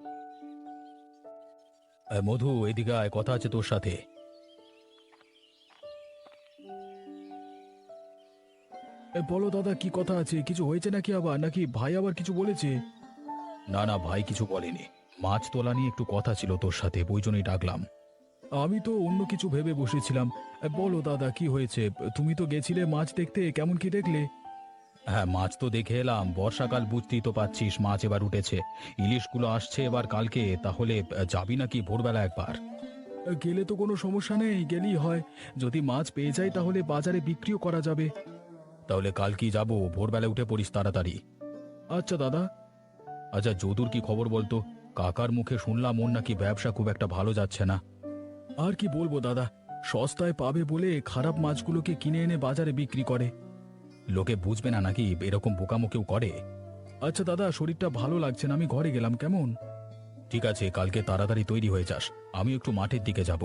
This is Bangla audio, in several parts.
মধু, এদিকে আয়, কথা আছে তোর সাথে। বলো দাদা, কি কথা আছে? কিছু হয়েছে নাকি আবার, নাকি ভাই আবার কিছু বলেছে? না না, ভাই কিছু বলেনি। মাছ তোলা নিয়ে একটু কথা ছিল তোর সাথে, ওই জন্যই ডাকলাম। আমি তো অন্য কিছু ভেবে বসেছিলাম। বলো দাদা, কি হয়েছে? তুমি তো গেছিলে মাছ দেখতে, কেমন কি দেখলে? হ্যাঁ, মাছ তো দেখে এলাম। বর্ষাকাল বুঝতেই তো পাচ্ছিস, মাছ এবার উঠেছে। ইলিশগুলো আসছে এবার কালকে, তাহলে যাবি নাকি ভোরবেলা একবার? গেলে তো কোনো সমস্যা নেই, গেলেই হয়। যদি মাছ পেয়ে যাই তাহলে বাজারে বিক্রিও করা যাবে। তাহলে কাল কি যাবো? ভোরবেলা উঠে পড়িস তাড়াতাড়ি। আচ্ছা দাদা। আচ্ছা, যদুর কি খবর বলতো? কাকার মুখে শুনলাম ওর নাকি ব্যবসা খুব একটা ভালো যাচ্ছে না। আর কি বলবো দাদা, সস্তায় পাবে বলে খারাপ মাছগুলোকে কিনে এনে বাজারে বিক্রি করে। লোকে বুঝবে না নাকি এরকম বোকামো কেউ করে? আচ্ছা দাদা, শরীরটা ভালো লাগছে না, আমি ঘরে গেলাম, কেমন? ঠিক আছে, কালকে তাড়াতাড়ি তৈরি হয়ে যাস। আমি একটু মাঠের দিকে যাব।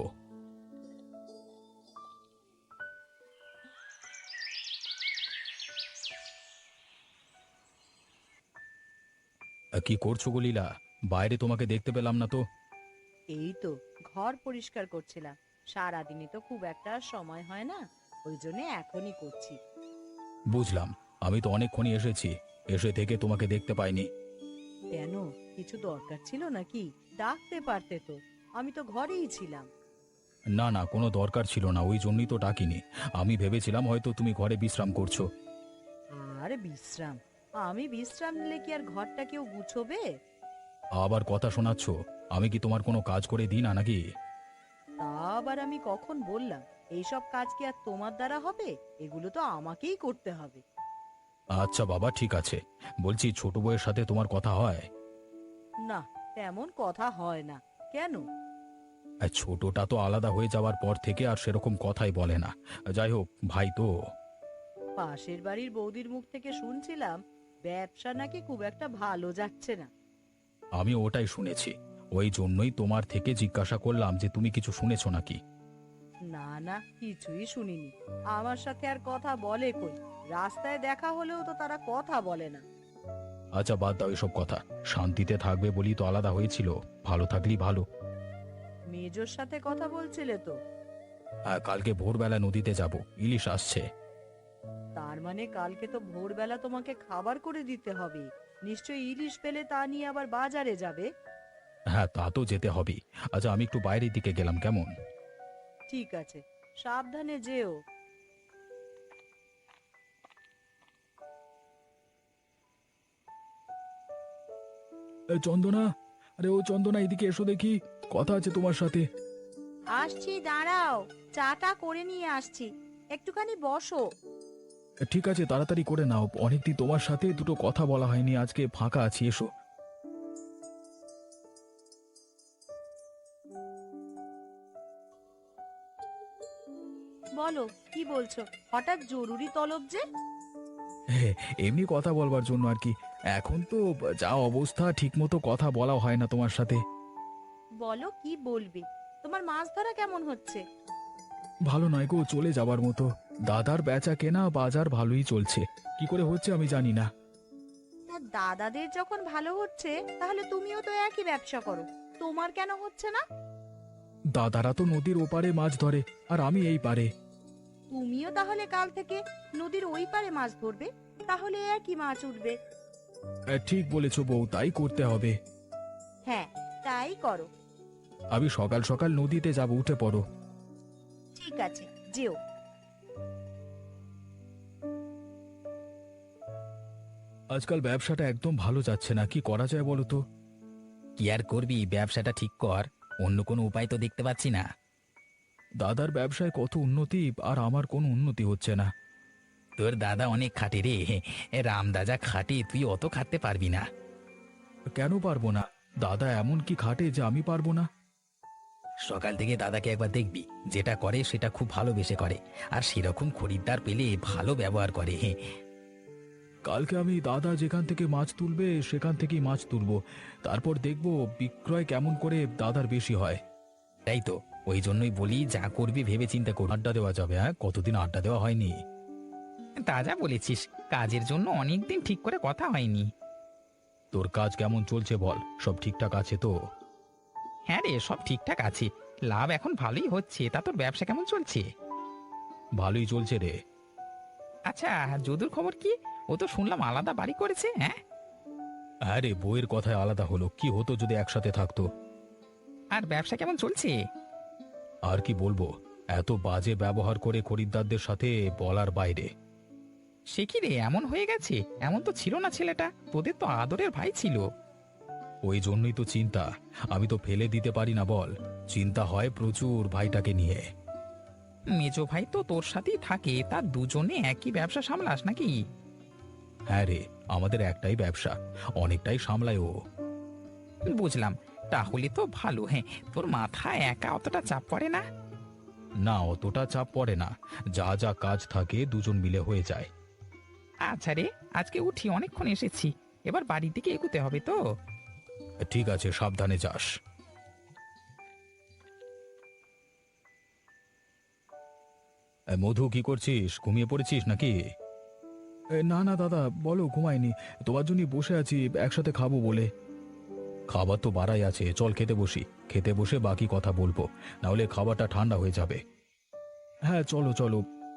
কি করছো গো লীলা? বাইরে তোমাকে দেখতে পেলাম না তো। এই তো ঘর পরিষ্কার করছিলাম। সারাদিনই তো খুব একটা সময় হয় না, ওই জন্য এখনই করছি। বুঝলাম। আমি তো অনেকক্ষণই এসেছি, এসে থেকে তোমাকে দেখতে পাইনি। কেন, কিছু দরকার ছিল নাকি? ডাকতে পারতে তো, আমি তো ঘরেই ছিলাম। না না, কোনো দরকার ছিল না, ওই জন্যই তো ডাকিনি। আমি ভেবেছিলাম হয়তো তুমি ঘরে বিশ্রাম করছো। আর বিশ্রাম? আমি বিশ্রাম নিলে কি আর ঘরটা কেউ গুছোবে? আবার কথা শোনাচ্ছ? আমি কি তোমার কোনো কাজ করে দিই না নাকি? তা আবার আমি কখন বললাম? এইসব কাজ কি আর তোমার দ্বারা হবে? এগুলো তো আমাকেই করতে হবে। আচ্ছা বাবা, ঠিক আছে। বলছি, ছোট বউয়ের সাথে তোমার কথা হয়? না, তেমন কথা হয় না। কেন? ছোটটা তো আলাদা হয়ে যাওয়ার পর থেকে আর সেরকম কথাই বলে না। যাই হোক, ভাই তো। পাশের বাড়ির বৌদির মুখ থেকে শুনছিলাম ব্যবসা নাকি খুব একটা ভালো যাচ্ছে না। আমি ওটাই শুনেছি। ওই জন্যই তোমার থেকে জিজ্ঞাসা করলাম যে তুমি কিছু শুনেছো নাকি। না না, কিছুই শুনিনি। আমার সাথে আর কথা বলে কই? রাস্তায় দেখা হলেও তো তারা কথা বলে না। আচ্ছা, বাদ দাও এসব কথা। শান্তিতে থাকবে বলি তো আলাদা হয়েছিল। ভালো থাকলেই ভালো। মেজোর সাথে কথা বলছিলে তো? কালকে ভোরবেলা নদীতে যাব, ইলিশ আসছে। তার মানে কালকে তো ভোরবেলা তোমাকে খাবার করে দিতে হবে। নিশ্চয়ই ইলিশ পেলে তা নিয়ে আবার বাজারে যাবে। হ্যাঁ, তা তো যেতে হবেই। আচ্ছা, আমি একটু বাইরের দিকে গেলাম, কেমন? ঠিক আছে, সাবধানে যেও। চন্দনা, আরে ও চন্দনা, এদিকে এসো দেখি, কথা আছে তোমার সাথে। আসছি, দাঁড়াও, চাটা করে নিয়ে আসছি, একটুখানি বসো। ঠিক আছে, তাড়াতাড়ি করে নাও। অনেকদিন তোমার সাথে দুটো কথা বলা হয়নি, আজকে ফাঁকা আছি, এসো। বলো, কি বলছো? হঠাৎ জরুরি তলব যে? হ্যাঁ, এমনি কথা বলবার জন্য আর কি। এখন তো যা অবস্থা, ঠিক মতো কথা বলা হয় না তোমার সাথে। বলো, কি বলবে? তোমার মাছ ধরা কেমন হচ্ছে? ভালো নয় গো, চলে যাবার মতো। দাদার বেচা কেনা বাজার ভালোই চলছে, কি করে হচ্ছে আমি জানি না। তা দাদাদের যখন ভালো হচ্ছে, তাহলে তুমিও তো একই ব্যবসা করো, তোমার কেন হচ্ছে না? দাদারা তো নদীর ওপারে মাছ ধরে, আর আমি এই পারে। তুমিও তাহলে কাল থেকে নদীর ওই পারে মাছ ধরবে, তাহলে একই মাছ উঠবে। ঠিক বলেছো বউ, তাই করতে হবে। হ্যাঁ, তাই করো। আমি সকাল সকাল নদীতে যাব, উঠে পড়ো। ঠিক আছে, যেও। আজকাল ব্যবসাটা একদম ভালো যাচ্ছে না, কি করা যায় বলো তো? কি আর করবি, ব্যবসাটা ঠিক কর। অন্য কোনো উপায় তো দেখতে পাচ্ছি না। দাদার ব্যবসায় কত উন্নতি, আর আমার কোনো উন্নতি হচ্ছে না। তোর দাদা অনেক খাটে রে। রামদা যা খাটে তুই অত খাটতে পারবি না। কেন পারবো না? দাদা এমন কি খাটে যে আমি পারবো না? সকাল থেকে দাদাকে একবার দেখবি, যেটা করে সেটা খুব ভালোবেসে করে। আর সেরকম খরিদ্দার পেলে ভালো ব্যবহার করে। কালকে আমি দাদা যেখান থেকে মাছ তুলবে সেখান থেকেই মাছ তুলবো। তারপর দেখবো বিক্রয় কেমন করে দাদার বেশি হয়। তাই তো, ওই জন্যই বলি, যা করবি ভেবে চিন্তা কর। আড্ডা দেওয়া যাবে? হ্যাঁ, কতদিন আড্ডা দেওয়া হয়নি। তা যা বলেছিস, কাজের জন্য অনেকদিন ঠিক করে কথা হয়নি। তোর কাজ কেমন চলছে বল, সব ঠিকঠাক আছে তো? হ্যাঁ রে, সব ঠিকঠাক আছে। লাভ এখন ভালোই হচ্ছে। তা তোর ব্যবসা কেমন চলছে? ভালোই চলছে রে। আচ্ছা, যদুর খবর কি? ও তো শুনলাম আলাদা বাড়ি করেছে, হ্যাঁ? হ্যাঁ রে, বইয়ের কথায় আলাদা হলো, কি হতো যদি একসাথে থাকতো। আর ব্যবসা কেমন চলছে? আর কি বলবো, এত বাজে ব্যবহার করে খরিদ্দারদের সাথে বলার বাইরে। সে কি রে, এমন হয়ে গেছে? এমন তো ছিল না ছেলেটা, তোদের তো আদরের ভাই ছিল। ওই জন্যই তো চিন্তা, আমি তো ফেলে দিতে পারি না বল, চিন্তা হয় প্রচুর ভাইটাকে নিয়ে। মেজো ভাই তো তোর সাথেই থাকে, তার দুজনে একই ব্যবসা সামলাস নাকি? হ্যাঁ রে, আমাদের একটাই ব্যবসা, অনেকটাই সামলায় ও। বুঝলাম। তাহলে তো ভালো। হ্যাঁ, তোর মাথায় একা অতটা চাপ পড়ে না? না, অতটা চাপ পড়ে না, যা যা কাজ থাকে দুজন মিলে হয়ে যায়। আচ্ছা রে, আজকে উঠি, অনেকক্ষণ এসেছি। এবার বাড়ির দিকে এগুতে হবে তো। ঠিক আছে, সাবধানে যাস। মধু, কি করছিস? ঘুমিয়ে পড়েছিস নাকি? না না দাদা, বলো, ঘুমাইনি, তোমার জন্য বসে আছি একসাথে খাবো বলে। খাবার তো বাড়াই আছে, চল খেতে বসি, খেতে বসে বাকি কথা বলবো, না হলে খাবারটা ঠান্ডা হয়ে যাবে। হ্যাঁ চলো চলো।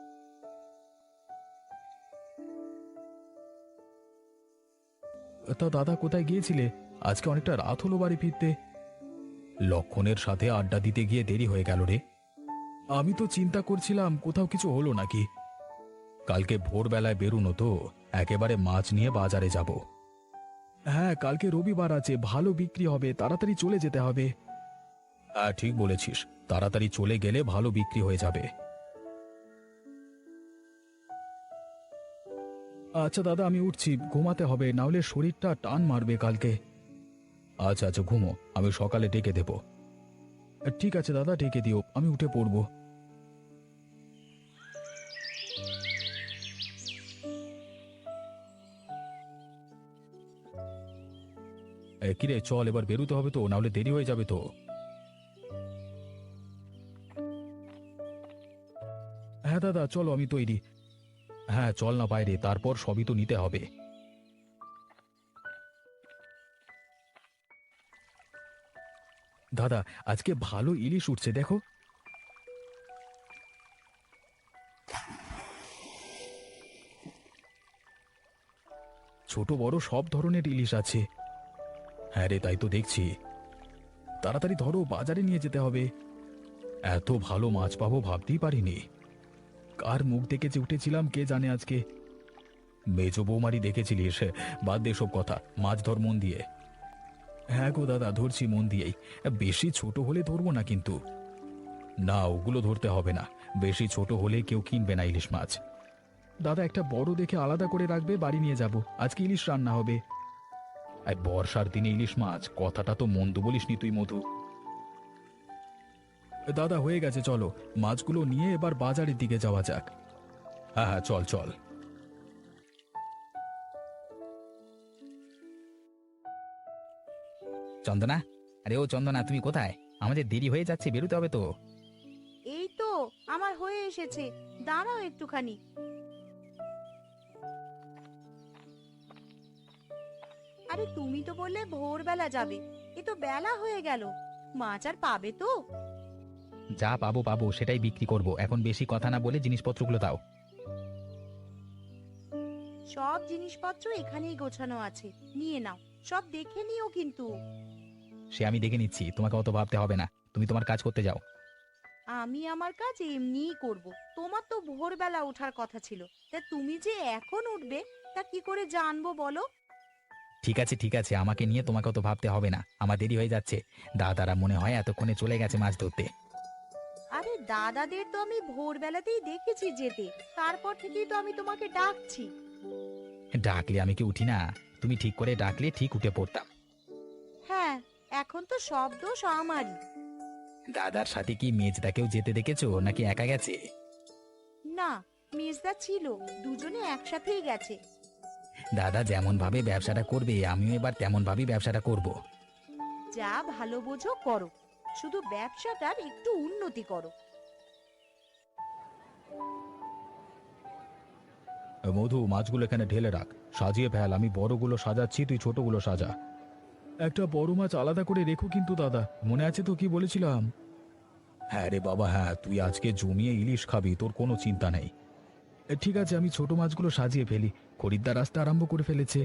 তা দাদা, কোথায় গিয়েছিলে? আজকে অনেকটা রাত হলো বাড়ি ফিরতে। লক্ষণের সাথে আড্ডা দিতে গিয়ে দেরি হয়ে গেল রে। আমি তো চিন্তা করছিলাম কোথাও কিছু হলো নাকি। কালকে ভোরবেলায় বেরুনো তো, একেবারে মাছ নিয়ে বাজারে যাব। হ্যাঁ, কালকে রবিবার আছে, ভালো বিক্রি হবে, তাড়াতাড়ি চলে যেতে হবে। হ্যাঁ ঠিক বলেছিস, তাড়াতাড়ি চলে গেলে ভালো বিক্রি হয়ে যাবে। আচ্ছা দাদা, আমি উঠছি, ঘুমাতে হবে, না হলে শরীরটা টান মারবে কালকে। আচ্ছা আচ্ছা, ঘুমো, আমি সকালে ডেকে দেব। ঠিক আছে দাদা, ডেকে দিও, আমি উঠে পড়ব। কিরে, চল, এবার বেরোতে হবে তো, না হলে দেরি হয়ে যাবে তো। হ্যাঁ দাদা চলো, আমি তৈরি। হ্যাঁ চল না বাইরে, তারপর সবই তো নিতে হবে। দাদা, আজকে ভালো ইলিশ উঠছে দেখো। ছোট বড় সব ধরনের ইলিশ আছে। হ্যাঁ রে, তাই তো দেখছি। তাড়াতাড়ি ধরো, বাজারে নিয়ে যেতে হবে। এত ভালো মাছ পাবো ভাবতেই পারিনি। কার মুখ দেখে যে উঠেছিলাম কে জানে আজকে। মেজো বৌমারি দেখেছিলিস? বাদ দে সব কথা, মাছ ধর মন দিয়ে। হ্যাঁ গো দাদা, ধরছি মন দিয়েই। বেশি ছোট হলে ধরবো না কিন্তু। না, ওগুলো ধরতে হবে না, বেশি ছোট হলে কেউ কিনবে না ইলিশ মাছ। দাদা, একটা বড় দেখে আলাদা করে রাখবে, বাড়ি নিয়ে যাব, আজকে ইলিশ রান্না হবে। আর বর্ষার দিনে ইলিশ মাছ, কথাটা তো মন্দ বলিসনি তুই মধু। দাদা, হয়ে গেছে, চলো, মাছগুলো নিয়ে এবার বাজারের দিকে যাওয়া যাক। হ্যাঁ হ্যাঁ, চল চল। চন্দনা, আরে ও চন্দনা, তুমি কোথায়? আমাদের দেরি হয়ে যাচ্ছে, বেরোতে হবে তো। এই তো আমার হয়ে এসেছে, দাঁড়াও একটুখানি। আরে তুমি তো বললে ভোরবেলা যাবে, এ তো বেলা হয়ে গেল, মাছ আর পাবে তো? যা পাবো পাবো, সেটাই বিক্রি করব। এখন বেশি কথা না বলে জিনিসপত্রগুলো দাও। সব জিনিসপত্র এখানেই গোছানো আছে, নিয়ে নাও, সব দেখে নিও কিন্তু। সে আমি দেখে নিচ্ছি, তোমাকে অত ভাবতে হবে না, তুমি তোমার কাজ করতে যাও। আমি আমার কাজ এমনিই করব, তোমার তো ভোরবেলা ওঠার কথা ছিল, তা তুমি যে এখন উঠবে তা কি করে জানবো বলো? ঠিক আছে ঠিক আছে, আমাকে নিয়ে তোমাকে অত ভাবতে হবে না, আমার দেরি হয়ে যাচ্ছে। দাদারা মনে হয় এতক্ষণে চলে গেছে মাছ ধরতে। আরে দাদাদের তো আমি ভোরবেলাতেই দেখেছি যেতে, তারপর থেকেই তো আমি তোমাকে ডাকছি। ডাকলে আমি কি উঠি না? তুমি ঠিক করে ডাকলে ঠিক উঠে পড়তাম। হ্যাঁ, এখন তো সব দোষ আমারই। দাদার সাথে কি মেজদাকেও যেতে দেখেছো নাকি একা গেছে? না, মেজদা ছিল, দুজনে একসাথেই গেছে। দাদা যেমন ভাবে ব্যবসাটা করবে, আমিও এবার তেমন ভাবেই ব্যবসাটা করব। যা ভালো বোঝো করো, শুধু ব্যবসাটার একটু উন্নতি করো। মধু, মাছগুলো এখানে ঢেলে রাখ, সাজিয়ে ফেল। আমি বড়গুলো সাজাচ্ছি, তুই ছোটগুলো সাজা। একটা বড় মাছ আলাদা করে রেখো কিন্তু দাদা, মনে আছে তো কি বলেছিলাম? হ্যাঁ রে বাবা, হ্যাঁ, তুই আজকে জমিয়ে ইলিশ খাবি, তোর কোনো চিন্তা নেই। ঠিক আছে, আমি ছোট মাছগুলো সাজিয়ে ফেলি, খরিদ্দার আসতে আরম্ভ করে ফেলেছে।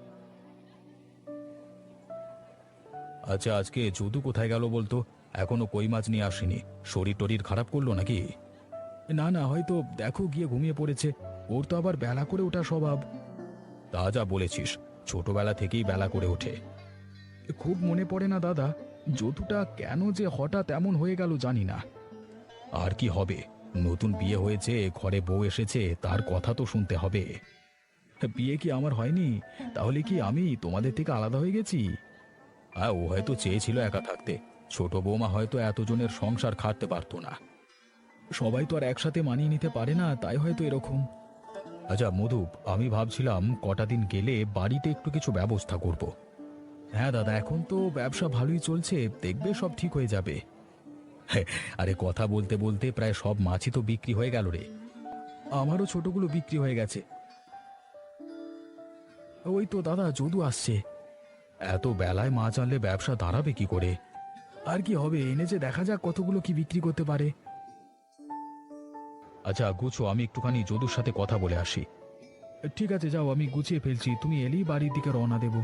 আচ্ছা, আজকে যদু কোথায় গেল বলতো? এখনো কই মাছ নিয়ে আসেনি। শরীর টরীর খারাপ করলো নাকি? না না, হয়তো দেখো গিয়ে ঘুমিয়ে পড়েছে। ওর তো আবার বেলা করে ওঠা স্বভাব। তা যা বলেছিস, ছোটবেলা থেকেই বেলা করে ওঠে। খুব মনে পড়ে না দাদা, যদুটা কেন যে হঠাৎ এমন হয়ে গেল জানি না। আর কি হবে, নতুন বিয়ে হয়েছে, ঘরে বউ এসেছে, তার কথা তো শুনতে হবে। বিয়ে কি আমার হয়নি? তাহলে কি আমি তোমাদের থেকে আলাদা হয়ে গেছি? হ্যাঁ, ও হয়তো চেয়েছিল একা থাকতে। ছোট বৌমা হয়তো এতজনের সংসার খাটতে পারতো না। সবাই তো আর একসাথে মানিয়ে নিতে পারে না, তাই হয়তো এরকম। আচ্ছা মধু, আমি ভাবছিলাম কটা দিন গেলে বাড়িতে একটু কিছু ব্যবস্থা করব। হ্যাঁ দাদা, এখন তো ব্যবসা ভালোই চলছে, দেখবে সব ঠিক হয়ে যাবে। হ্যাঁ, আরে কথা বলতে বলতে প্রায় সব মাছই তো বিক্রি হয়ে গেল রে। আমারও ছোটগুলো বিক্রি হয়ে গেছে। ওই তো দাদা, যদু আসছে। এত বেলায় মাছ আনলে ব্যবসা দাঁড়াবে কি করে? আর কি হবে, এনেছে, দেখা যাক কতগুলো কি বিক্রি করতে পারে। আচ্ছা গুছো, আমি একটুখানি যদুর সাথে কথা বলে আসি। ঠিক আছে, যাও, আমি গুছিয়ে ফেলছি, তুমি এলেই বাড়ির দিকে রওনা দেব।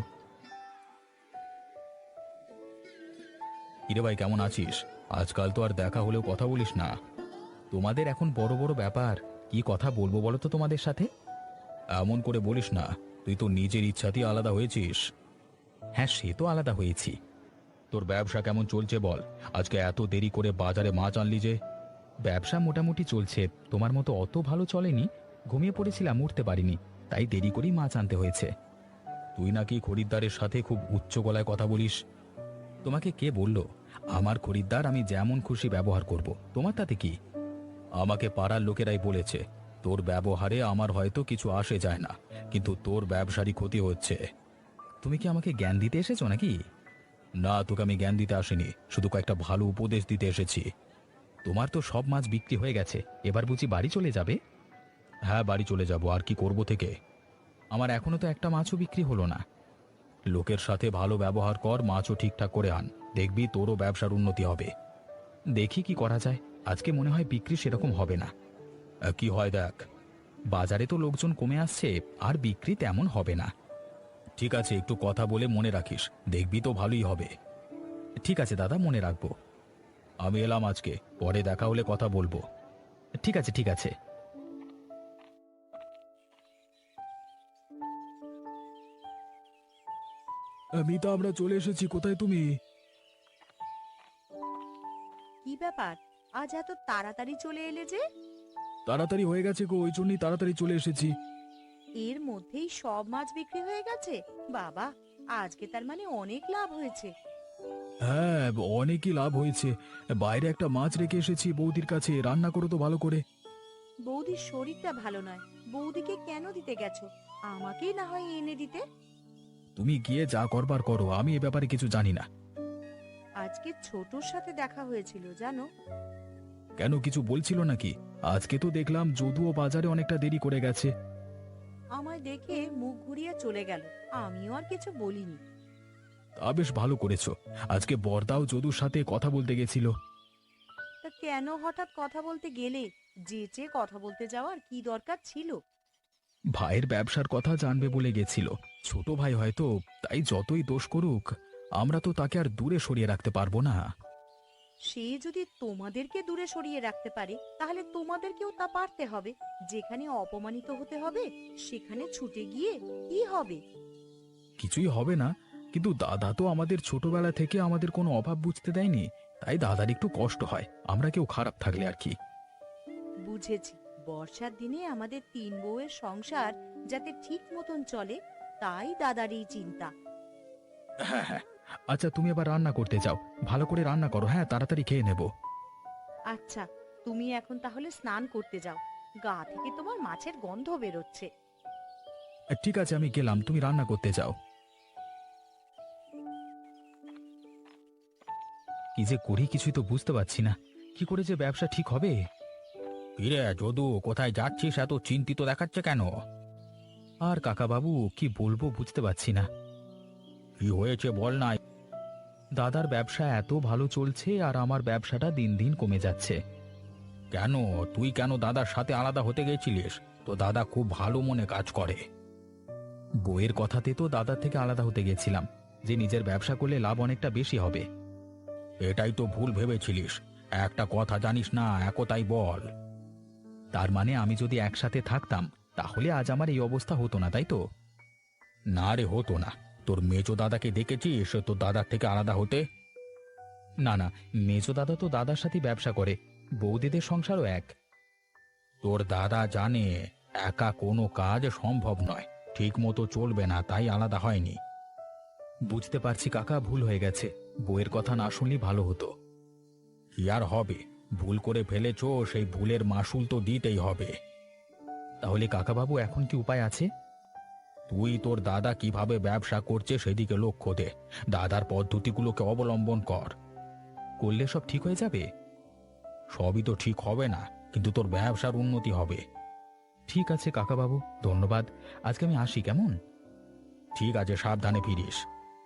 কিরে ভাই, কেমন আছিস? আজকাল তো আর দেখা হলেও কথা বলিস না। তোমাদের এখন বড় বড় ব্যাপার, কি কথা বলবো বলো তো তোমাদের সাথে? এমন করে বলিস না, তুই তো নিজের ইচ্ছাতেই আলাদা হয়েছিস। হ্যাঁ, সে তো আলাদা হয়েছি। তোর ব্যবসা কেমন চলছে বল? আজকে এত দেরি করে বাজারে মাছ আনলি যে? ব্যবসা মোটামুটি চলছে, তোমার মতো অত ভালো চলেনি। ঘুমিয়ে পড়েছিলাম, উঠতে পারিনি, তাই দেরি করেই মাছ আনতে হয়েছে। তুই নাকি খরিদ্দারের সাথে খুব উচ্চ গলায় কথা বলিস। তোমাকে কে বলল? আমার খরিদ্দার, আমি যেমন খুশি ব্যবহার করব, তোমার তাতে কি? আমাকে পাড়ার লোকেরাই বলেছে তোর ব্যবহারে আমার হয়তো কিছু আসে যায় না, কিন্তু তোর ব্যবসারই ক্ষতি হচ্ছে। তুমি কি আমাকে জ্ঞান দিতে এসেছো নাকি? না, তোকে আমি জ্ঞান দিতে আসিনি, শুধু কয়েকটা ভালো উপদেশ দিতে এসেছি। তোমার তো সব মাছ বিক্রি হয়ে গেছে, এবার বুঝি বাড়ি চলে যাবে? হ্যাঁ, বাড়ি চলে যাব, আর কি করব থেকে। আমার এখনো তো একটা মাছও বিক্রি হলো না। লোকের সাথে ভালো ব্যবহার কর, মাছও ঠিকঠাক করে আন, দেখবি তোরও ব্যবসার উন্নতি হবে। দেখি কি করা যায়, আজকে মনে হয় বিক্রি সেরকম হবে না। কি হয় দেখ। বাজারে তো লোকজন কমে আসছে, আর বিক্রি তেমন হবে না। ঠিক আছে, একটু কথা বলে মনে রাখিস, দেখবি তো ভালোই হবে। ঠিক আছে দাদা, মনে রাখবো। আমি এলাম আজকে, পরে দেখা হলে কথা বলবো। ঠিক আছে, ঠিক আছে। মিতা, আমরা চলে এসেছি, কোথায় তুমি? কি ব্যাপার, আজ এত তাড়াতাড়ি চলে এলে যে? তাড়াতাড়ি হয়ে গেছে গো, ওই জন্যই তাড়াতাড়ি চলে এসেছি। এর মধ্যেই সব মাছ বিক্রি হয়ে গেছে? বাবা, আজকে তার মানে অনেক লাভ হয়েছে। হ্যাঁ, অনেকই লাভ হয়েছে। বাইরে একটা মাছ রেখে এসেছি বৌদির কাছে, রান্না করো তো ভালো করে। বৌদির শরীরটা ভালো নয়, বৌদিকে কেন দিতে গেছো? আমাকেই না হয় এনে দিতে। তুমি গিয়ে যা করবার করো, আমি এ ব্যাপারে কিছু জানি না। আজকে ছোটর সাথে দেখা হয়েছিল জানো? কেন, কিছু বলছিল নাকি? আজকে তো দেখলাম যদুও বাজারে অনেকটা দেরি করে গেছে। আমায় দেখে মুখ ঘুরিয়ে চলে গেল, আমিও আর কিছু বলিনি। তা বেশ ভালো করেছো। আজকে বর্দাও যদুর সাথে কথা বলতে গেছিল। তা কেন হঠাৎ কথা বলতে গেলে? যেচে কথা বলতে যাওয়ার কি দরকার ছিল? ভাইয়ের ব্যবসার কথা জানবে বলে গেছিল। ছোট ভাই হয়তো, তাই যতই দোষ করুক, আমরা তো তাকে আর দূরে সরিয়ে রাখতে পারবো না। সে যদি তোমাদেরকে দূরে সরিয়ে রাখতে পারে, তাহলে তোমাদেরকেও তা পারতে হবে। যেখানে অপমানিত হতে হবে সেখানে ছুটে গিয়ে কি হবে? কিছুই হবে না, কিন্তু দাদা তো আমাদের ছোটবেলা থেকে আমাদের কোনো অভাব বুঝতে দেয়নি, তাই দাদার একটু কষ্ট হয়, আমরা কেউ খারাপ থাকলে আর কি। বুঝেছি, বর্ষার দিনে আমাদের তিন বউয়ের সংসার যাতে ঠিক মতন চলে, তাই দাদার এই চিন্তা। হ্যাঁ হ্যাঁ, আচ্ছা তুমি এবার রান্না করতে যাও, ভালো করে রান্না করো, হ্যাঁ, তাড়াতাড়ি খেয়ে নেব। আচ্ছা, তুমি এখন তাহলে স্নান করতে যাও, গা থেকে তোমার মাছের গন্ধ বেরোচ্ছে। ঠিক আছে, আমি গেলাম, তুমি রান্না করতে যাও। কি যে করি কিছুই তো বুঝতে পারছি না, কি করে যে ব্যবসা ঠিক হবে। কিরে যদু, কোথায় যাচ্ছিস, এত চিন্তিত দেখাচ্ছে কেন? আর কাকাবাবু কি বলবো বুঝতে পারছি না। কি হয়েছে বল না। দাদার ব্যবসা এত ভালো চলছে আর আমার ব্যবসাটা দিন দিন কমে যাচ্ছে। কেন? তুই কেন দাদার সাথে আলাদা হতে গেছিলিস? তো দাদা খুব ভালো মনে কাজ করে। বইয়ের কথাতে তো দাদার থেকে আলাদা হতে গেছিলাম, যে নিজের ব্যবসা করলে লাভ অনেকটা বেশি হবে। এটাই তো ভুল ভেবেছিলিস। একটা কথা জানিস না, একতাই বল। তার মানে আমি যদি একসাথে থাকতাম তাহলে আজ আমার এই অবস্থা হতো না, তাই তো? না রে, হতো না। তোর মেজো দাদাকে দেখেছিস তোর দাদার থেকে আলাদা হতে? না না, মেজো দাদা তো দাদার সাথে ব্যবসা করে, বৌদিদের সংসারও এক। তোর দাদা জানে একা কোনো কাজ সম্ভব নয়, ঠিক মতো চলবে না, তাই আলাদা হয়নি। বুঝতে পারছি কাকা, ভুল হয়ে গেছে। বইয়ের কথা না শুনলেই ভালো হতো। কি আর হবে, ভুল করে ফেলেছো, সেই ভুলের মাসুল তো দিতেই হবে। তাহলে কাকাবাবু এখন কি উপায় আছে? তুই তোর দাদা কিভাবে ব্যবসা করছে সেদিকে লক্ষ্য দে, দাদার পদ্ধতিগুলোকে অবলম্বন কর। করলে সব ঠিক হয়ে যাবে? সবই তো ঠিক হবে না, কিন্তু তোর ব্যবসার উন্নতি হবে। ঠিক আছে কাকাবাবু, ধন্যবাদ। আজকে আমি আসি, কেমন? ঠিক আছে, সাবধানে ফিরিস।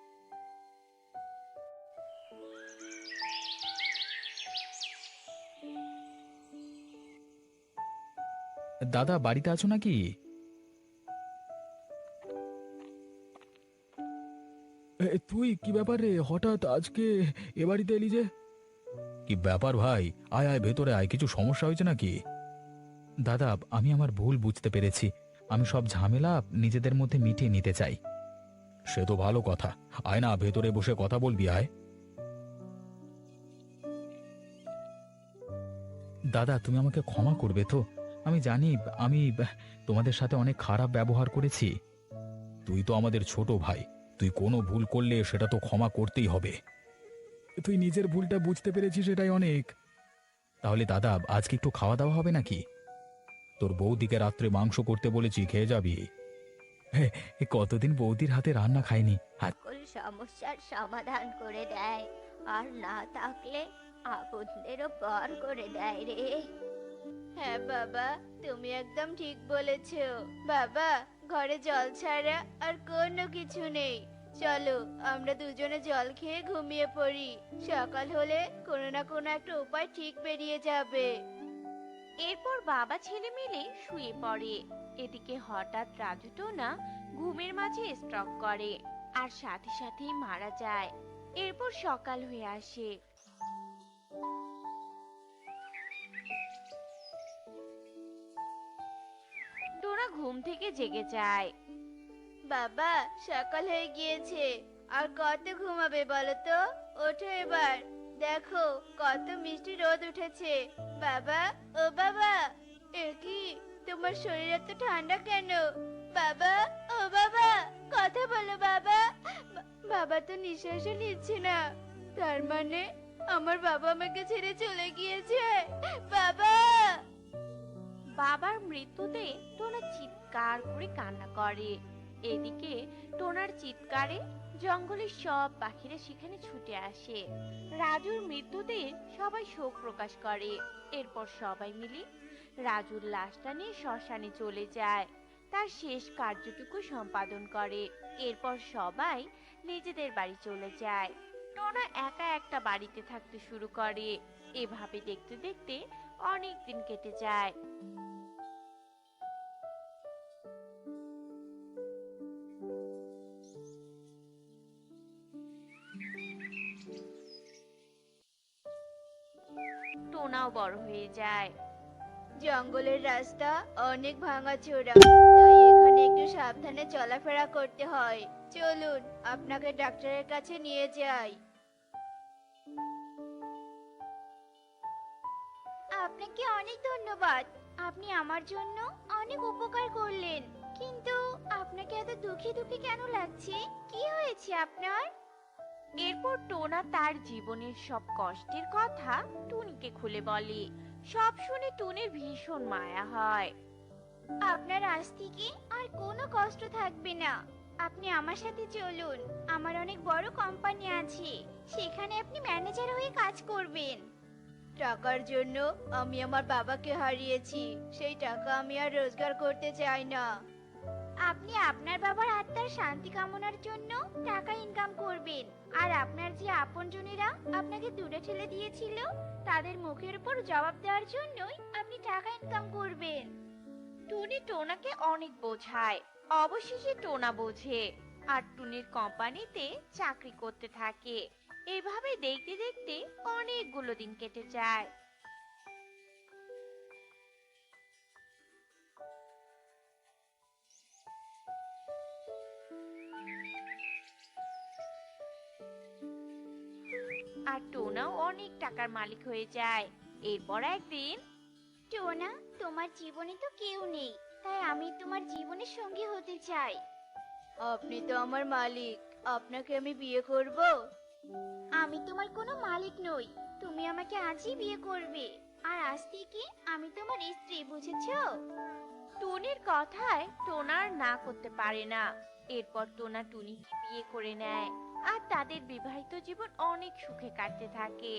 দাদা বাড়িতে আছো নাকি? তুই কি ব্যাপার রে, হঠাৎ আজকে এ বাড়িতে এলি যে? কি ব্যাপার ভাই, আয় আয় ভেতরে আয়, কিছু সমস্যা হয়েছে নাকি? দাদা, আমি আমার ভুল বুঝতে পেরেছি। আমি সব ঝামেলা নিজেদের মধ্যে মিটিয়ে নিতে চাই। সে তো ভালো কথা। আয় না, ভেতরে বসে কথা বলবি, আয়। দাদা, তুমি আমাকে ক্ষমা করবে তো? আমি জানি আমি তোমাদের সাথে অনেক খারাপ ব্যবহার করেছি। তুই তো আমাদের ছোট ভাই, তুই কোনো ভুল করলে সেটা তো ক্ষমা করতেই হবে। তুই নিজের ভুলটা বুঝতে পেরেছিস, এটাই অনেক। তাহলে দাদা, আজকে একটু খাওয়া দাওয়া হবে নাকি? তোর বৌদিকে রাত্রে মাংস করতে বলেছি, খেয়ে যাবি। কতদিন বৌদির হাতে রান্না খাইনি। সকল সমস্যার সমাধান করে দেয়, আর না থাকলে আপনদেরও পর করে দেয় রে। হ্যাঁ বাবা, তুমি একদম ঠিক বলেছো। বাবা, ঘরে জল ছাড়া আর কোনো কিছু নেই। চলো আমরা দুজনে জল খেয়ে ঘুমিয়ে পড়ি, সকাল হলে কোনো না কোনো একটা উপায় ঠিক বেরিয়ে যাবে। এরপর বাবা ছেলে মিলে শুয়ে পড়ে। এদিকে হঠাৎ রাজু টোনা ঘুমের মাঝে স্ট্রোক করে আর সাথে সাথেই মারা যায়। এরপর সকাল হয়ে আসে। টোনা ঘুম থেকে জেগে যায়। বাবা, সকাল হয়ে গিয়েছে, আর কত ঘুমাবে বলো তো? ওঠো এবার, দেখো কত মিষ্টি রোদ উঠেছে। বাবা, ও বাবা, এ কি, তোমার শরীর এত ঠান্ডা কেন? বাবা, ও বাবা, কথা বলো বাবা। বাবা তো নিঃশ্বাসও নিচ্ছে না, তার মানে আমার বাবা আমাকে ছেড়ে চলে গিয়েছে। বাবা! বাবার মৃত্যুতে টোনা চিৎকার করে কান্না করে। এদিকে টোনার চিৎকারে জঙ্গলের সব পাখিরা সেখানে ছুটে আসে। রাজুর মৃত্যুতে সবাই শোক প্রকাশ করে। এরপর সবাই মিলে রাজুর লাশটা নিয়ে শ্মশানে চলে যায়, তার শেষ কার্যটুকু সম্পাদন করে। এরপর সবাই নিজেদের বাড়ি চলে যায়। টোনা একা একটা বাড়িতে থাকতে শুরু করে। এভাবে দেখতে দেখতে অনেক দিন কেটে যায়। টোনাও বড় হয়ে যায়। জঙ্গলের রাস্তা অনেক ভাঙাচোরা, তাই এখানে একটু সাবধানে চলাফেরা করতে হয়। চলুন আপনাকে ডাক্তারের কাছে নিয়ে যাই। আপনাকে অনেক ধন্যবাদ, আপনি আমার জন্য অনেক উপকার করলেন। কিন্তু আপনাকে এত দুঃখী দুঃখী কেন লাগছে? কি হয়েছে আপনার? এরপর টোনা তার জীবনের সব কষ্টের কথা টুনিকে খুলে বলে। সব শুনে টুনির ভীষণ মায়া হয়। আপনার আজ থেকে আর কোনো কষ্ট থাকবে না। আপনি আমার সাথে চলুন, আমার অনেক বড় কোম্পানি আছে, সেখানে আপনি ম্যানেজার হয়ে কাজ করবেন। টাকার জন্য আমি আমার বাবাকে হারিয়েছি, সেই টাকা আমি আর রোজগার করতে চাই না। আপনি আপনার বাবার আত্মার শান্তি কামনার জন্য টাকা ইনকাম করবেন, আর আপনার যে আপনজনেরা আপনাকে দূরে ঠেলে দিয়েছিল তাদের মুখের উপর জবাব দেওয়ার জন্যই আপনি টাকা ইনকাম করবেন। টুনি টোনাকে অনেক বোঝায়, অবশেষে টোনা বোঝে আর টুনির কোম্পানিতে চাকরি করতে থাকে। এভাবে দেখতে দেখতে অনেকগুলো দিন কেটে যায়। আর টোনাও অনেক টাকার মালিক হয়ে যায়। এরপর একদিন, টোনা, তোমার জীবনে তো কেউ নেই, তাই আমি তোমার জীবনের সঙ্গী হতে চাই। আপনি তো আমার মালিক, আপনাকে আমি বিয়ে করব। আমি তোমার কোনো মালিক নই, তুমি আমাকে আজই বিয়ে করবে, আর আজ থেকে আমি তোমার স্ত্রী, বুঝেছো? টুনির কথায় টোনা আর না করতে পারে না। এরপর টোনা টুনিকে বিয়ে করে নেয়, আর তাদের বিবাহিত জীবন অনেক সুখে কাটতে থাকে।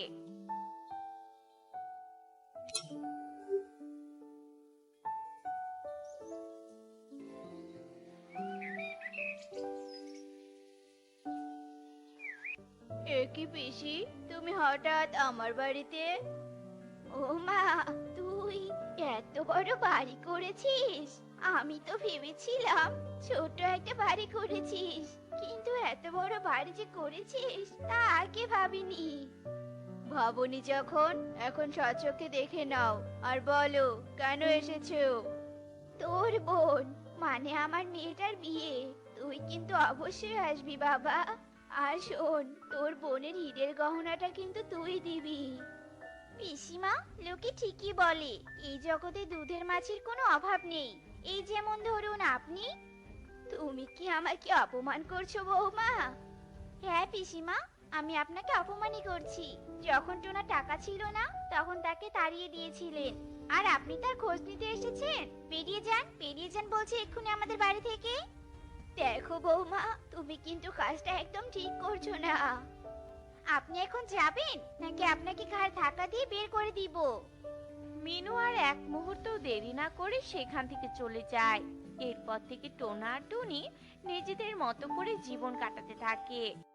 এ কি পিসি, তুমি হঠাৎ আমার বাড়িতে? ও মা, তুই এত বড় বাড়ি করেছিস! আমি তো ভেবেছিলাম ছোট একটা বাড়ি করেছিস, কিন্তু এত বড় বাড়ি যে করেছিস তা আগে ভাবিনি। ভাবনি যখন, এখন স্বচক্ষে দেখে নাও আর বলো কেন এসেছো। তোর বোন, মানে আমার মেয়েটার বিয়ে, তুই কিন্তু অবশ্যই আসবি বাবা। আর শোন, তোর বোনের হীরের গহনাটা কিন্তু তুই দিবি। পিসিমা, লোকে ঠিকই বলে এই জগতে দুধের মাছের কোনো অভাব নেই। এই যেমন ধরুন আপনি। তুমি কি আমাকে অপমান করছো বৌমা? হ্যাঁ পিসিমা, আমি আপনাকে অপমানই করছি। যখন টোনা টাকা ছিল না তখন তাকে তাড়িয়ে দিয়েছিলেন, আর আপনি তার খোঁজ নিতে এসেছেন। বেরিয়ে যান বলছি এক্ষুনি আমাদের বাড়ি থেকে। দেখো বৌমা, তুমি কিন্তু কাজটা একদম ঠিক করছো না। আপনি এখন যাবেন নাকি আপনাকে ঘাড় ধাক্কা দিয়ে বের করে দিব? মিনু আর এক মুহূর্ত দেরি না করে সেখান থেকে চলে যায়। এরপর থেকে টোনা আর টুনি নিজেদের মতো করে জীবন কাটাতে থাকে।